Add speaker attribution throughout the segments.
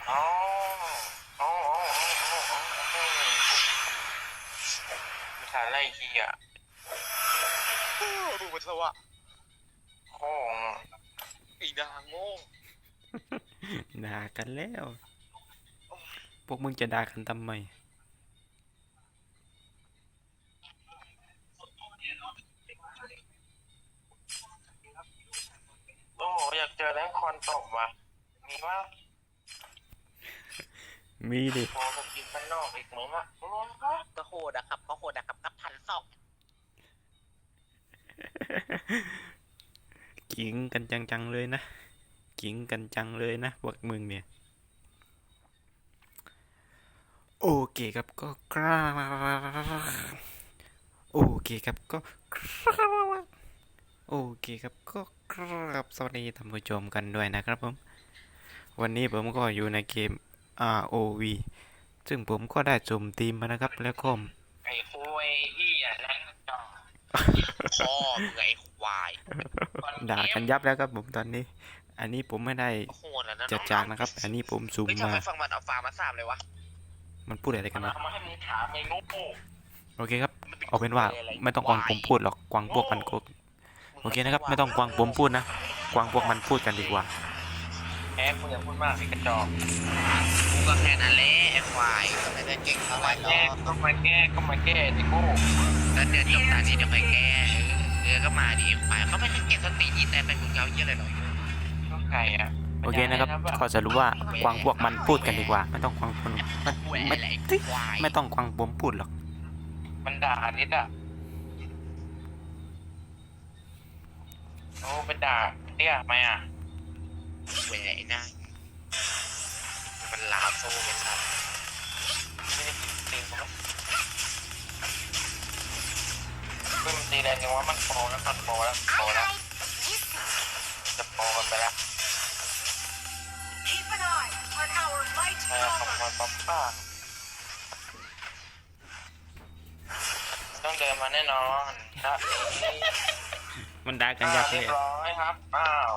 Speaker 1: อ๋ออ๋ออ๋ออ๋ออ๋อมีฐานไล่ทีอ่ะ
Speaker 2: ดูมันสวะ
Speaker 1: โอ้
Speaker 2: อีนางโง่
Speaker 3: ด่ากันแล้วพวกมึงจะด่ากันทำไม
Speaker 1: โอ้อยากเจอแรงคอนตบว่ะมีว่า
Speaker 3: มีดิ
Speaker 1: โอ้สกินมันนอกอีกเหมือนอ่ะ
Speaker 2: ก็โหดอะครับก็โหดอะครับกับ1,200
Speaker 3: กิงกันจังๆเลยนะกิงกันจังเลยนะพวกมึงเนี่ยโอเคครับก็กราบโอเคครับก็กราบโอเคครับก็กราบสวัสดีท่านผู้ชมกันด้วยนะครับผมวันนี้ผมก็อยู่ในเกม ROV ซึ่งผมก็ได้สุ่มทีมมานะครับแล้วก็
Speaker 1: ไอ้คุยที่อ่ะแรงจอ
Speaker 2: พ่อมึงไอ้ควาย
Speaker 3: ด่ากันยับแล้วครับผมตอนนี้อันนี้ผมไม่ได้
Speaker 2: โหดแล้วนะ
Speaker 3: จั
Speaker 2: น้อง
Speaker 3: ดจากนะครับอันนี้ผมสุ่ม
Speaker 2: เฮ้ยทำ
Speaker 3: มา
Speaker 2: ไมฟังมันเอาฟาร์มาสามเลยวะ
Speaker 3: มันพูดอะไรกันวะ
Speaker 1: เอามาให้มึงถามไอ้โง่
Speaker 3: โอเคครับ
Speaker 2: มันเป็น
Speaker 3: เอาเป็นว่า
Speaker 2: อะไร
Speaker 3: ไม่ต้องกวางผมพูดหรอกกวางพวกมันก็โอเคนะครับไม่ต้องกวางผมพูดนะกวางพวกมันพูดกันดีกว่า
Speaker 1: แอ๊กมึงอย่าพูดมากสิกระจอก
Speaker 2: กูก็แค่นั้นแหละไอ้ควายก็ไม่ได้เก่งเท่าไหร่หรอก
Speaker 1: ก็มาแก้ไอ้โง่
Speaker 2: แล้วเดี๋ยวจบตานี้เดี๋ยวไปแก้ก็มาดิควายเขาไม่ได้เก่งสติยี่แต่เป็นมึงเกาเยี่ยอะไรหรอก
Speaker 1: ก็ไก่อ่ะ
Speaker 3: โอเคนะครับก็สรุปว่ากวางพวกมันพูดกันดีกว่าไม่ต้องกวางคนไม่
Speaker 2: อะไร
Speaker 3: ไม่
Speaker 2: ควาย
Speaker 3: ไม่ต้องกวางผมพูดหรอก
Speaker 1: มันด่านิดอ่ะโอ้เป็นด่าเตี้ยไหมอ่ะ
Speaker 2: แหวะนะมันลามโซ่เป็นสัตว์
Speaker 1: ไม่ได้ตีมันเพิ่มตีแรงยังว่ามันโปรแล้วจะโปรกันไปแล้วขอบคุณป๊อปป้าต้องเดินมาแน่นอนครับ
Speaker 3: มันด่ากันยับเล
Speaker 1: เรีย
Speaker 3: ย
Speaker 1: บร้อยครับอ้าว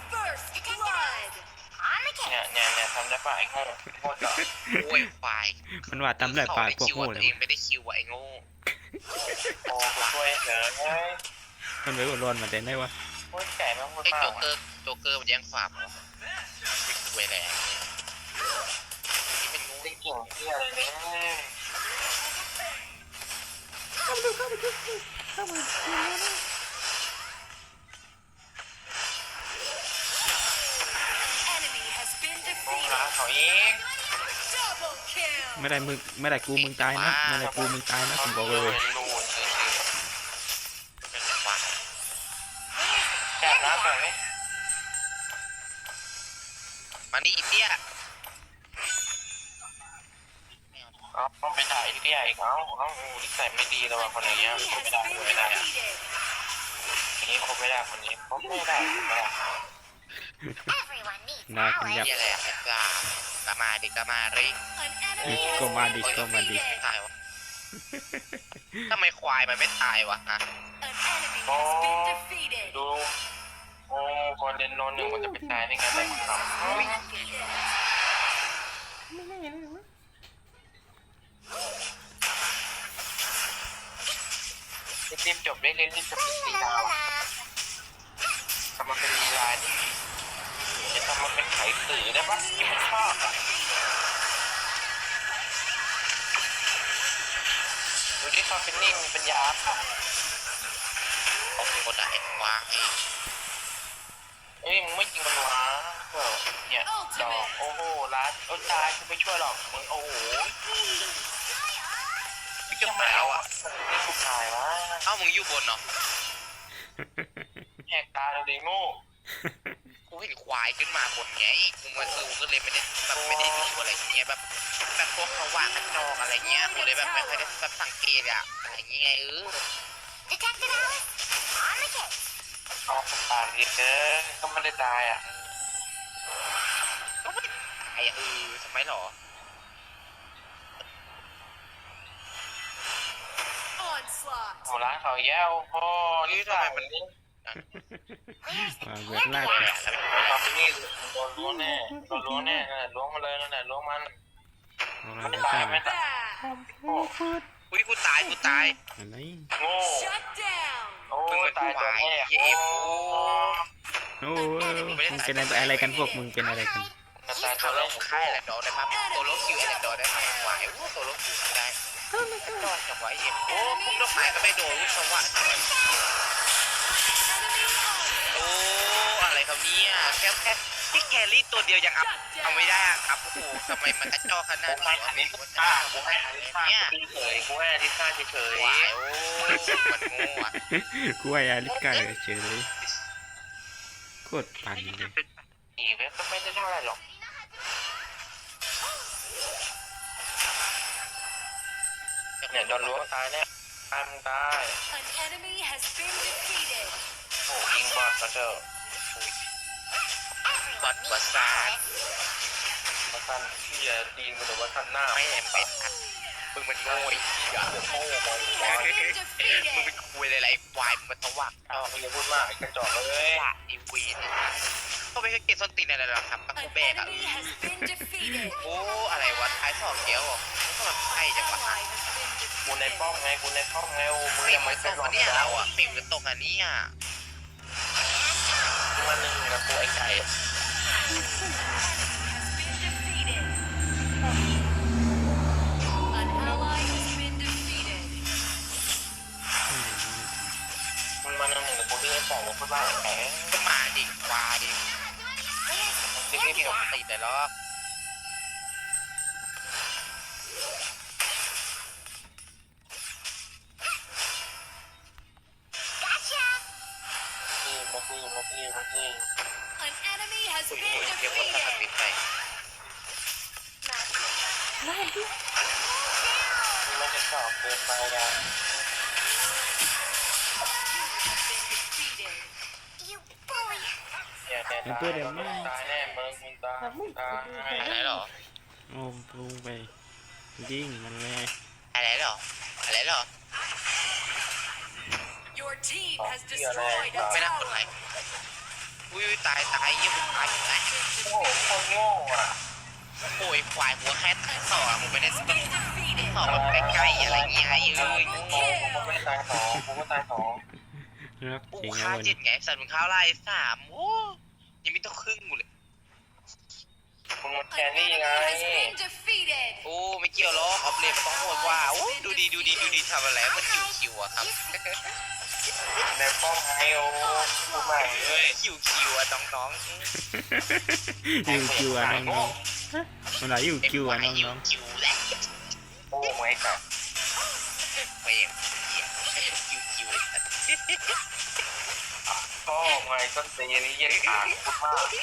Speaker 1: เนี่ยทำได้ป่ะไอ้โง่โง่จ่อ
Speaker 2: โอ้ยควาย
Speaker 3: มันว่าทำได้ป่าพวก
Speaker 2: คิว
Speaker 3: โง่
Speaker 2: ตัว
Speaker 3: เลย
Speaker 2: เองไม่ได้คิวไอ้โง่
Speaker 1: โอ้ช่วยเถอะเฮ้ย
Speaker 3: มันไปหัวร้อนมาแต่ไหนวะ
Speaker 1: โคตรไก่มากพูด
Speaker 2: ไอ้
Speaker 1: มา
Speaker 2: โจ๊
Speaker 1: ก
Speaker 2: กเกอร์มันแย่งฟาร์มเหรอไม่คุยแหละนี่เป็นงู
Speaker 1: ติ๊กเก่งเที่ยเลย โอ้หาเขาเอง
Speaker 3: ไม่ได้มึงไม่ได้กูมึงตายนะไม่ได้กูมึงตายนะผมบอกเลย
Speaker 1: เป็นรูนจริง
Speaker 2: เป็นควาย
Speaker 1: ๆแกะน้ำแบบนี้
Speaker 2: มานี่อีเตี้ย
Speaker 1: เอาต้องไปด่าไอ้เตี้ยอีกเอานิสัยไม่ดีเลยว่ะคนนี้ไม่ได้ไม่ได้คนนี้คบไม่ได้คนนี้คบไม่ได้ไม่ได้
Speaker 3: ด่ากันยับ
Speaker 2: เหี้ยอะไรอะไอ้ปลาก็มาดิก็มาริ
Speaker 3: ก็มาดิก็มาดิ
Speaker 2: ตายวะทำไมควายมันไม่ตายวะฮะ
Speaker 1: โอ้ดูโอ้คนเล่นโนนหนึ่งมันจะไปตายได้ไงไม่ทำรีบจบได้เล่นรีบจบสีดาวทำมาเป็นลีลาดิจะทำมาเป็นไขสื่อได้ปะที่มันชอบอ่ะดูที่เขาเป็นนิ่งเป็นยาป่ะ
Speaker 2: เขาเป็นคนด่าไอ้ควาย
Speaker 1: เอ้ยมึงไม่จริงมันวะเนี่ยดอกโอ้โหรัดเอาตายกูไม่ช่วยหรอกมึงโอ้โห
Speaker 2: พี่จะมาแล้วอ่ะ
Speaker 1: นี่กูตายวะ
Speaker 2: เอ้ามึงอยู่บนเนาะ
Speaker 1: แหกตาเลยดิโง่
Speaker 2: กูเห็นควายขึ้นมาบนไงกูมาดูก็เลยไม่ได้แบบไม่ได้ดูอะไรเงี้ยแบบพวกเขาว่างกันจองอะไรเงี้ยกูเลยแบบไม่ค่อยได้แบบสังเกตอะอะไรเงี้ย
Speaker 1: เอาตายดิเด้อก็ไม่ได้ตายอ่ะ
Speaker 2: ก็ไม่ตายอะทำไมหรอ
Speaker 1: โหร้านเขาแย้วโอ้นี่ทำไมมัน
Speaker 3: เวทลาก
Speaker 2: แหละแล้ว
Speaker 1: ตอนนี้โดนล้วงแน่โดนล้วงแน่นั่นแหละล้วงมาเลยนั่นแหละล้วงมัน
Speaker 3: เอา
Speaker 1: ไม่
Speaker 3: ไม่
Speaker 1: ตา
Speaker 3: ใช่
Speaker 1: ยไม่ตายโอ้
Speaker 2: อุ้ยกูตาย
Speaker 3: อะไร
Speaker 1: โง่
Speaker 4: Shut down.
Speaker 1: โอ้
Speaker 2: มึงเป็น
Speaker 1: ตาย
Speaker 2: ค
Speaker 1: ตัว
Speaker 2: วาย
Speaker 1: แม่
Speaker 2: เหี้ยเอฟ
Speaker 3: โอ้มึงเป็นอะไรกันพวกมึงเป็นอะไรกัน
Speaker 1: ตาย
Speaker 2: ตั
Speaker 1: ตัว ว
Speaker 2: โล
Speaker 1: แร
Speaker 2: ก
Speaker 1: ก
Speaker 2: ค่ายแหละดอได้ครับตัวโลกคิวแหละดอได้ครับควายตัวโลกคิวไม่ได้ดอดจังหวะเอฟโอ้พุ่งดอกไม้ก็ไม่โดนลูกสวัสดิ์โอ้อะไรครับเนี่ยแค่ที่แครี่ตัวเดียวยังอัพเอาไม่ได้ครับโอ้โหทำไมมันกระจอกขนาด
Speaker 1: กูให้
Speaker 2: นี้
Speaker 1: อลิซ่ากูให้อลิซ่าเฉยกูให้อลิซ่าเฉย
Speaker 2: ควายโอ้มันโง่อะ
Speaker 3: กูว่าอาลิกาเฉยเลยโคตรปั่นเลย
Speaker 1: อีเว็บก็ไม่ได้เท่าไรหรอกเนี่ยโดนล้วงตายแน่ตายมึงตาย
Speaker 4: An enemy has been defeated.
Speaker 1: โอ้ยิงบอดก็เถอะ
Speaker 2: บอดประสาท
Speaker 1: มาทันที่จะตีนกูหรือว่าทันหน้า
Speaker 2: ไม่แอมเป็ดอะมึงมันโง่ไอ้เหี้ย
Speaker 1: โง่บอล
Speaker 2: มึงเป็นคุยอะไรควายมึงมันทวัก
Speaker 1: อ้าวมึงอย่าพูดมากไอ้กระจอกเลย
Speaker 2: ละไอ้วีนก็ไม่ใช่เกมส้นตีนอะไรหรอกครับตะ
Speaker 4: An
Speaker 2: กูแบกอะ
Speaker 4: enemy has been defeated.
Speaker 2: โอ้อะไรวะท้ายสองเกี้ยวก็มันไพ่จังวะ
Speaker 4: Ally has been
Speaker 1: กูในป้อม
Speaker 4: defeated.
Speaker 1: ไงกูในป้อมไงโอ้มึง
Speaker 2: ปิ
Speaker 1: ยั
Speaker 2: ด
Speaker 1: ง
Speaker 2: มั
Speaker 1: ไม่
Speaker 2: นต
Speaker 1: เป็น
Speaker 2: ก
Speaker 1: หรอ
Speaker 2: อั
Speaker 1: ก
Speaker 2: นเนี้ยเราอะปิดมันตกอันนี้อะ
Speaker 1: มาหนึ่งกับกูไอ้ไก่
Speaker 4: Has been defeated. An ally has been defeated.
Speaker 1: มึงมาหนึ่งกับกูที่ไอ้ไก่เนี่ยพูดว่าไอ้แก่
Speaker 2: ก็มาดิวาดิที่ไม่มีปกติแต่หรอก
Speaker 1: มาที่
Speaker 4: An enemy has
Speaker 2: คุย
Speaker 4: been
Speaker 2: เรียกว่าถ้ามันติ
Speaker 4: defeated.
Speaker 2: ดไป
Speaker 1: มึงไม่จะชอบเกินไปนะ
Speaker 4: You bully.
Speaker 1: เนี่ยตายแน่มึงตาย
Speaker 2: อะไรหรอ
Speaker 3: โอ้ลุงไปยิงมันเลย
Speaker 2: อะไรหรออะไรหรอ
Speaker 4: Your team has destroyed a
Speaker 2: ไม่น่ากด
Speaker 4: tower.
Speaker 2: ไลค์อุ้ยตายเยี่ยมตายตาย
Speaker 1: โง่คนโง่อ่ะ
Speaker 2: โอ้ยควายหัวแค่ต่อมึงไม่ได้
Speaker 4: Been defeated.
Speaker 2: ต่อแบบใกล้ๆอะไรเงี้ยเอ้ย
Speaker 1: กูไม่ตายสองกูไม่ตายสอง
Speaker 3: รัก
Speaker 2: กู
Speaker 3: จริง
Speaker 2: ฆ่า
Speaker 3: นะวัน
Speaker 2: เจ็ดไงสัตว์มึงข้าวไล่สามโอ้ยังไม่ต้องครึ่งกูเลย
Speaker 1: มึงมันแค
Speaker 4: An
Speaker 1: รี่
Speaker 4: enemy
Speaker 1: ไง
Speaker 4: has been defeated.
Speaker 2: โอ้ไม่เกี่ยวหรอกออฟเลนมันต้องโหดกว่าโอ้ดูดีทำอะไรมันคิวอะครับ
Speaker 1: ในป้อมไงโอ้พูดใหม่เลย
Speaker 2: คิวอะน้อง
Speaker 3: ยูคิวอ่ะน้องๆมันไหนยู
Speaker 2: ๆ
Speaker 3: คิวอ่ะน้อง
Speaker 2: คิวแหละ
Speaker 1: โอ้ไม่กับ
Speaker 2: ไม่อย่างคิว
Speaker 1: พ่อไงต้นตีนี้ยังขาดพูดมาก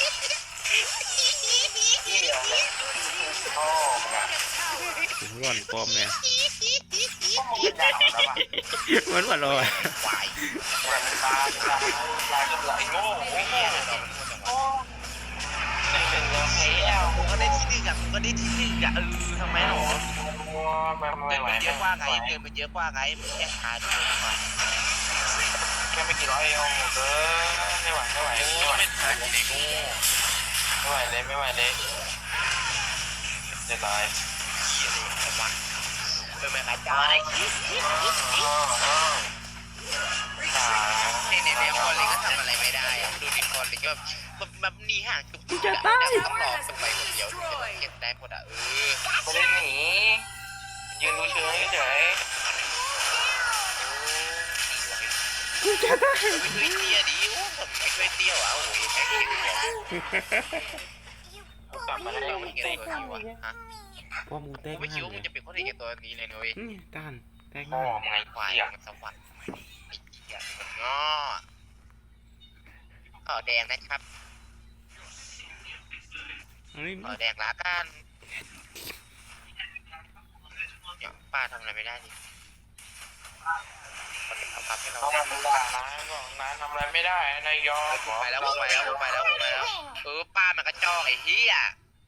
Speaker 1: ที่อะไรพ่อไง
Speaker 3: ๆถึงร่อนปลอมเลย
Speaker 1: พ่อมึงด่าแล้วอ่ะ
Speaker 3: มันว่าลอย
Speaker 2: ควาย
Speaker 1: มันตาจนไหลโง่ไม่เหี้ยโอ้หนึ่งแล้วเฮ้ย
Speaker 2: กูก็ได้ที่หนึ่งอะทำไมหรอ
Speaker 1: ไม่
Speaker 2: เงิน
Speaker 1: ไหว
Speaker 2: มันเยอะกว่าไงเงินมันเยอะกว่าไงมันแค่ขาด
Speaker 1: แค่ไม่กี่ร้อยเองเออไม่ไหว
Speaker 2: ไม่ทันในงู
Speaker 1: ไม่ไหวเลยจะตาย
Speaker 2: เหี้ยเลยจังหวะเป็นแบบอาจารย์ในคอนเลยก็ทำอะไรไม่ได้อะดูในคอนเลยก็แบบหนีห่างจุ๊บต้องรอไปคนเดียวเก็บได้หมดอะ
Speaker 1: ไม่ได้หนียืนดูเฉยเฉย
Speaker 2: ไม่ช่วยเตี้ยดิผมไม่ช่วยเตี้ยวอ่ะโอ้ยไม่เห็นหัว
Speaker 1: กลับมาแล้ว
Speaker 2: ไม่เห็นตัวนี้วะฮะ
Speaker 3: พ่อมึงแต
Speaker 2: กู
Speaker 3: ก
Speaker 2: ไม่คิด
Speaker 3: งาน
Speaker 2: ว่ามึง
Speaker 3: เล
Speaker 2: จะเป็นคนเอกตัวนี้เลยนุ้ย
Speaker 3: ยต้านแตก
Speaker 1: พ่อง
Speaker 3: าน
Speaker 1: ไง
Speaker 2: ควาย
Speaker 1: เหี้ย
Speaker 2: มันสวรรค์ไอ้เหี้ยมันง้อขอแดงนะครับ
Speaker 3: อันนี้
Speaker 2: ขอแดงละกันป้าทำอะไรไม่ได้ดิเอาพับให้เรา
Speaker 1: ต้องมาด่าร้านบอกร้านทำอะไรไม่ได้นายยอม
Speaker 2: ไปแล้วป้ามันก็จ้องไอ้เหี้ย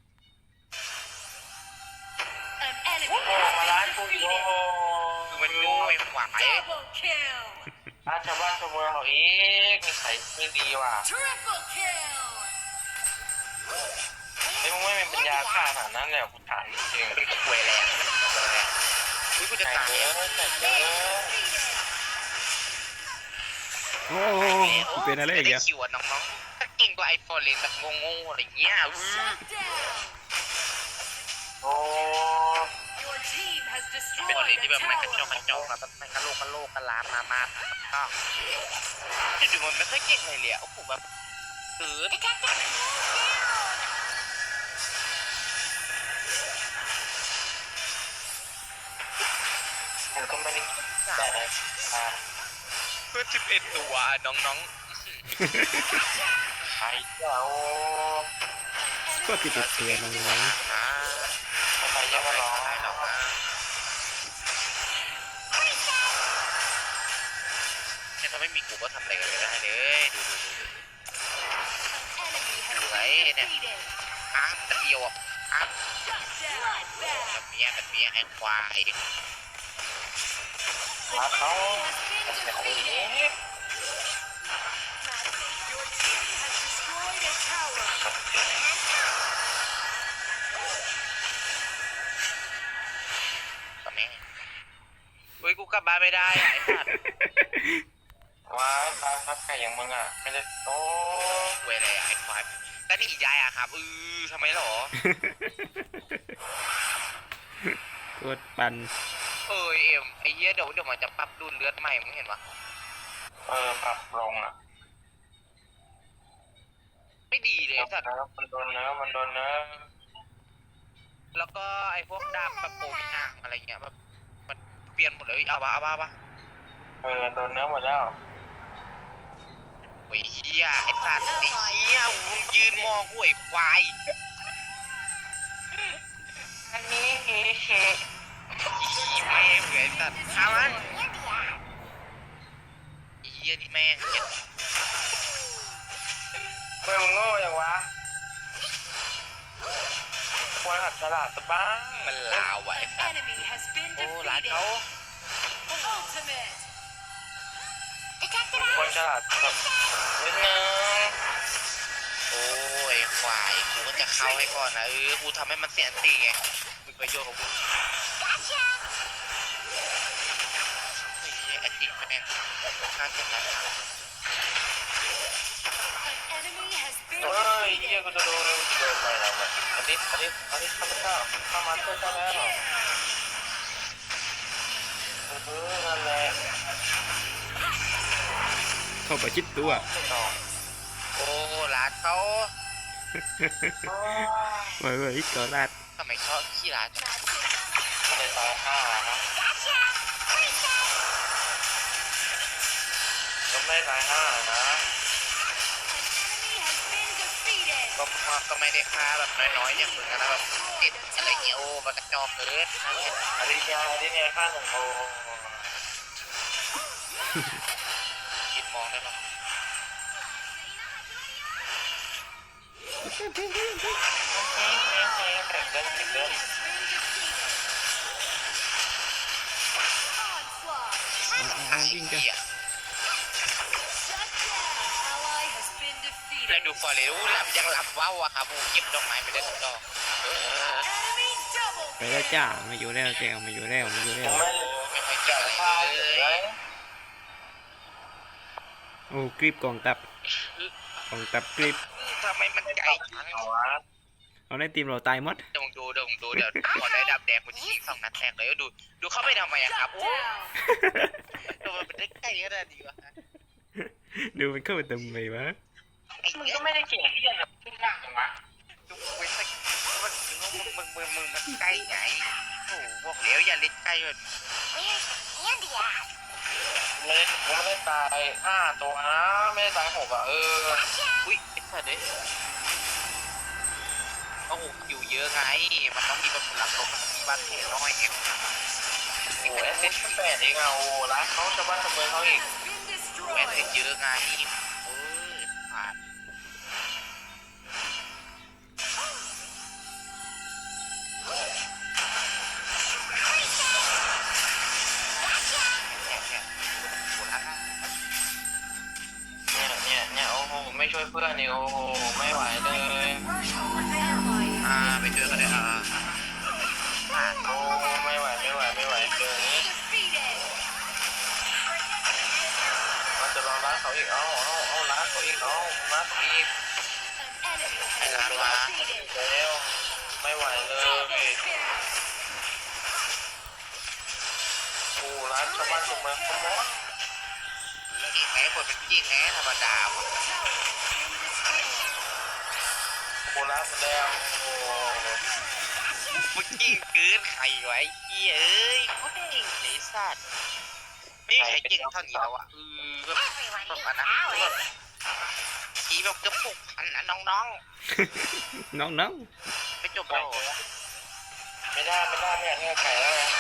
Speaker 4: An enemy
Speaker 1: โอ้มาร้าน
Speaker 4: has
Speaker 1: กู
Speaker 4: been
Speaker 1: อีกโอ้
Speaker 4: defeated.
Speaker 2: คือมันโง่ไอ้ขวาย
Speaker 4: Double kill.
Speaker 1: อาชาวบ้านชาวเมืองเขาอีกนิสัยไม่ดีว่ะ
Speaker 4: Triple kill.
Speaker 1: ไอ้ยมึงไม่มีปัญญาฆ่าขนาดนั้นเลยเหรอกูถามจริง
Speaker 2: เป็นควยแรงอุ้ยกู
Speaker 1: ๆ
Speaker 2: จะ
Speaker 1: แต่
Speaker 2: ตาย
Speaker 1: เยอะแต่เยอะ
Speaker 3: โอ้โหเป็นอะไรอีก
Speaker 2: ได้
Speaker 3: อะ
Speaker 2: คิวอ่ะน้องๆถ้าเก่งกว่าไอโฟนเลนแบบงงๆอะไรเงี้ย
Speaker 4: Shut down.
Speaker 1: โอ้
Speaker 4: Your team has
Speaker 2: เป็นเล
Speaker 4: destroyed
Speaker 2: นที่
Speaker 4: a
Speaker 2: แบบไม่กระจอก
Speaker 4: tower.
Speaker 2: กระจอกแบบไม่กระโลกกระโลกกระลามาก็ดูมันไม่ค่อยเก่งเลยโอ้โหแบบ
Speaker 1: มันก็ไม่ได้แต่อ่า
Speaker 2: เพื่อ11ตัวน้อง
Speaker 1: ไอ้เจ้า
Speaker 3: ก็ติดเตียน้อง
Speaker 2: ๆอ่า
Speaker 1: ใครยังมาร้อง
Speaker 2: อะไรหรอกนะเนี่ยถ้าไม่มีกูก็ทำอะไรกันไม่ได้เลยดู
Speaker 4: Enemy has been defeated.
Speaker 2: อ้างตะเดียวอ่ะอ้าง
Speaker 4: Shut down.
Speaker 2: แบบเนี้ยไอ้ควาย
Speaker 1: รักเขา
Speaker 4: Has
Speaker 1: แต่
Speaker 4: been
Speaker 1: คน
Speaker 4: defeated.
Speaker 1: นี้
Speaker 4: Your team has destroyed a tower.
Speaker 2: ตอนนี้เฮ้ยกูกลับบ้านไม่ได้ไอ้สัตว์
Speaker 1: ว้ายตาครับไก่อย่างมึงอ่ะไม่ได้โอ้
Speaker 2: เวเลยไอ้ควายแล้วนี่ยายอะครับทำไมหรอ
Speaker 3: กดปัน
Speaker 2: เอ็มไอ้เหี้ยเดี๋ยวมันจะปรับรุ่นเลือดใหม่มึงเห็นปะ
Speaker 1: ปรับลงอ่ะ
Speaker 2: ไม่ดีเลยสัตว์
Speaker 1: มันโดนเนื้อมันโดนเนื้อ
Speaker 2: แล้วก็ไอ้พวกดาบแบบโปรมีอ่างอะไรเงี้ยแบบมันเปลี่ยนหมดเลยเอาปะ
Speaker 1: โดนเนื้อหมดแล้ว
Speaker 2: โอ้ยเหี้ยไอ้สัตว์ไอ้เหี้ยมึงยืนมองห่วยควาย
Speaker 1: อันนี้เฮ้
Speaker 2: อีแม่งไอ้สัตว์ข้ามันไอ้เหี้ยนี่แม่งเจ็บ
Speaker 1: เมื่อมึงโง่อย่างวะควรหัดฉลาดสักบ้าง
Speaker 2: มันลาวไว้ไอ้สัตว์
Speaker 4: Enemy has been
Speaker 2: โอ้ร้าน
Speaker 4: defeated.
Speaker 2: เขา
Speaker 4: Ultimate.
Speaker 1: ควรฉลาดแบบนิดนึง
Speaker 2: โอ้ยควายกูก็จะเข้าให้ก่อนนะกูทำให้มันเสียอันตีไงมีประโยชน์ของกูไอ้เหี้ยไอ้ติ๊กแม่งฆ่าเสร็จแล้ว
Speaker 4: An enemy has been
Speaker 1: เฮ้ยเยี่ย
Speaker 4: defeated.
Speaker 1: กูจะโดนอะไรแล้วเนี่ยอันนี้ข้าพเจ้าข้ามาช่วยเจ้าแล้วนั่นแหละ
Speaker 3: เข้าไปชิดตัว
Speaker 1: ไม่ต่อ
Speaker 2: โอ้ร้านเขา
Speaker 3: เฮ้ยก็รัด
Speaker 2: ทำไมชอบขี้ร้านจัง
Speaker 1: ไม่ได้ตายห้านะก็ไม่ได้ตายห้านะ
Speaker 4: An enemy has been defeated.
Speaker 2: ก็ไม่ได้ฆ่าแบบน้อยๆอย่างมึงนะแบบติดอะไรเงี้ยโอ้มันกระจอกเกิน
Speaker 1: อันนี้เนี่ยค่าหนึ่งโอ้
Speaker 2: คิดมองได้ปะ
Speaker 1: แต่เดินติดเดิน
Speaker 4: Onslaught.
Speaker 2: ไอ้เหี้ย
Speaker 4: Shut down. Ally has been
Speaker 2: แล้ว
Speaker 4: defeated.
Speaker 2: ดูฟอร์เรลยังหลับเว้าอะครับโอ้เก็บดอกไม้ไปได้ทุกดอก
Speaker 4: Enemy double
Speaker 3: ไปแล้วจ้ามาอยู่แล้วแกมาอยู่แล้ว
Speaker 1: ผมไม่
Speaker 2: ไม่ค่อยเก็บอะไร
Speaker 1: ฆ่า
Speaker 2: เล
Speaker 1: เลย ย
Speaker 3: โอ้กริบกองตับกองตับกริบ
Speaker 2: ทำไมมันไกลจัง
Speaker 1: เอาวะ
Speaker 3: เอาในทีมเราตายหมด
Speaker 2: เดี๋ยวเดี๋ยวพอได้ดับแดงกูจะยิง2 นัดแทกเลยดูเข้าไปทำไมอะครับ
Speaker 4: shut
Speaker 2: โอ้
Speaker 4: down.
Speaker 2: ทำไมมันได้ใกล้ขนาดนี้วะ
Speaker 3: ดูมันเข้าไปทำไมวะ
Speaker 2: ไอ้
Speaker 1: มึง
Speaker 2: เหี้ย
Speaker 1: ก็ไม่ได้เก่งที่จะขึ้นหน้าจังวะ
Speaker 2: ดูเว้ยมันมันใกล้ไงโอ้บอกแล้วอย่าเล่นใกล้เลย
Speaker 1: ไม่ได้ตาย5 ตัวนะไม่ได้ตาย6อ่ะ
Speaker 2: อุ้ยไอ้สัตว์เด้โอ้โหอยู่เยอะไงมันต้องมีแบบผลลัพธ์ลบมันมีบ้านแผลน้อยเอง
Speaker 1: โอ้แอสซิสต์8เองอ่ะโอ้ร้านเขาชาวบ้านชาวเมืองเขาอีก
Speaker 4: Has been
Speaker 2: แม่เสร็จ
Speaker 4: destroyed.
Speaker 2: เยอะไงผ่าน เนี่ยโหละ
Speaker 1: เพื่อนนี่โอ้โหไม่ไหวเลย
Speaker 2: ไปช่วยกันเลย
Speaker 1: โอ้ไม่ไหวเกินนี้ มันจะลองล้างเขาอีกเอาล้างเขาอีกล้างเขาอีก
Speaker 2: ไอ้ร้านมา
Speaker 1: แล้วไม่ไหวเลยโอ้ร้านชาวบ้านชาวเมืองเขาหมด
Speaker 2: จริงไหมคนเป็นจริงไหมธรรมดาคน
Speaker 1: โอ้ร้านหมดแล้วโอ้
Speaker 2: มึงจริงเกินใครไว้เหี้ยเอ้ยเขาจริงไอ้สัตว์ไม่มีใครจริงเท่านี้แล้วอ่ะแบบนะทีแบบเกือบ6,000นะน้อง
Speaker 3: น้อง
Speaker 2: ๆไม่จบแล้ว
Speaker 1: ไม่ได้เนี่ยไก่แล้วนะ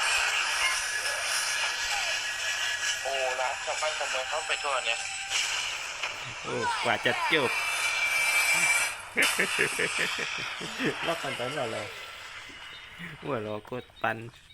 Speaker 1: โอ้ร้านชาวบ้านชาวเมืองเขาไปทั่วเนี่ย
Speaker 3: ๆโอ้กว่าจะจบ รอบกันตอนเราหัวเราะกดปัน